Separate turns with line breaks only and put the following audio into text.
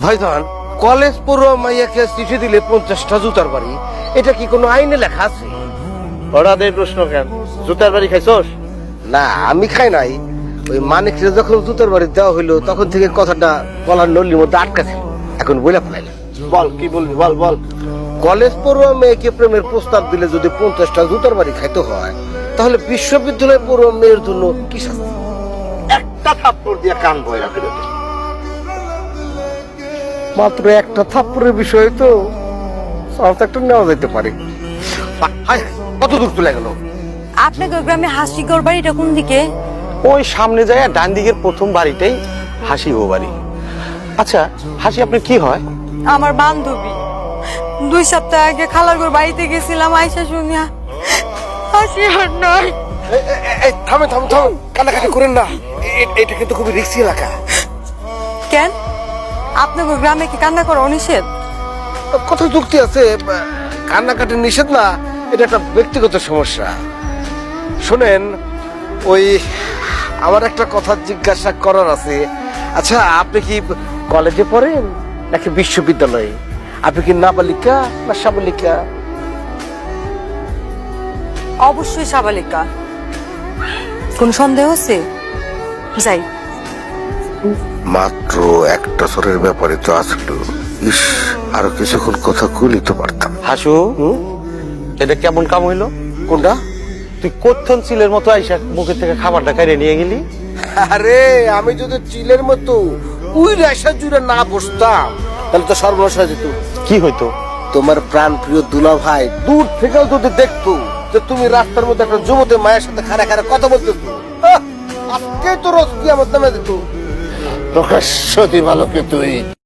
ভাইজান, কলেজ পড়ুয়া মাইয়াকে চিঠি দিলে 50টা জুতার বাড়ি, এটা কি কোনো আইনে লেখা আছে?
হঠাৎ এই প্রশ্ন কেন? জুতার বাড়ি খাইছস?
না, আমি খাই নাই। ওই মানিকরে যখন জুতার বাড়ি দেওয়া হইলো তখন থেকে কথাটা বলার নলির মধ্যে আটকা ছিল, এখন বইলা ফেলাইলাম।
বল, কি বলবি? বল বল।
কলেজ পড়ুয়া মেয়েকে প্রেমের প্রস্তাব দিলে যদি 50টা জুতার বাড়ি খাইতে হয়, তাহলে বিশ্ববিদ্যালয়ে পড়ুয়া মেয়ের জন্য কি শাস্তি?
একটা থাপ্পড় দিয়ে কান বইরা ফেলে দে।
মাত্র একটা থাপ্পড়ের বিষয় তো, সাথে একটা নেওয়া যেতে পারে। হায়, কত দূর চলে গেল?
আপনাদের গ্রামে হাসিগড় বাড়িটা কোন দিকে?
ওই সামনে যায় ডান দিকের প্রথম বাড়িটাই হাসি ও বাড়ি। আচ্ছা, হাসি আপনার কি হয়?
আমার বান্ধবী। 2 সপ্তাহ আগে খালার ঘর বাড়িতে গেছিলাম, আইসা শুনিয়া হাসি আর নয়।
থামেন থামেন থামেন, কান্নাকাটি করেন না, এটা কিন্তু খুবই রিস্কি এলাকা।
কেন আপনাদের গ্রামে কি কান্না করা অনিষেধ?
কত যুক্তি আছে, কান্নাকাটি নিষেধ না, এটা একটা ব্যক্তিগত সমস্যা। শোনেন, ওই আমার একটা কথা জিজ্ঞাসা করার আছে। আচ্ছা, আপনি কি কলেজে পড়েন নাকি বিশ্ববিদ্যালয়ে? আপনি কি নাবালিকা না সাবালিকা?
অবশ্যই সাবালিকা। কোন সন্দেহ আছে? যাই।
মাত্র একটা সরের ব্যাপারে তো আসলো, ইস, আরো কিছুক্ষণ কথা কইলি তো পারতাম।
হাসু, এটা কেমন কাম হইলো?
কোনটা?
তুই কোথন চিলের মতো আইসা মুখের থেকে খাবারটা কাইরে নিয়ে গেলি।
আরে, আমি যদি চিলের মতো উই রেশা জুড়ে না বসতাম তাহলে তো সর্বনাশ হয়ে যেত।
কি হইতো?
তোমার প্রাণ প্রিয় দুলা ভাই দূর থেকেও যদি দেখতো যে তুমি রাস্তার মধ্যে একটা যুবতী মায়ের সাথে খাড়া খাড়া কথা বলতেছো, আজকে তো রোজ কিয়ামত নামে যেত।
প্রকাশ্য দিবালোকে তুই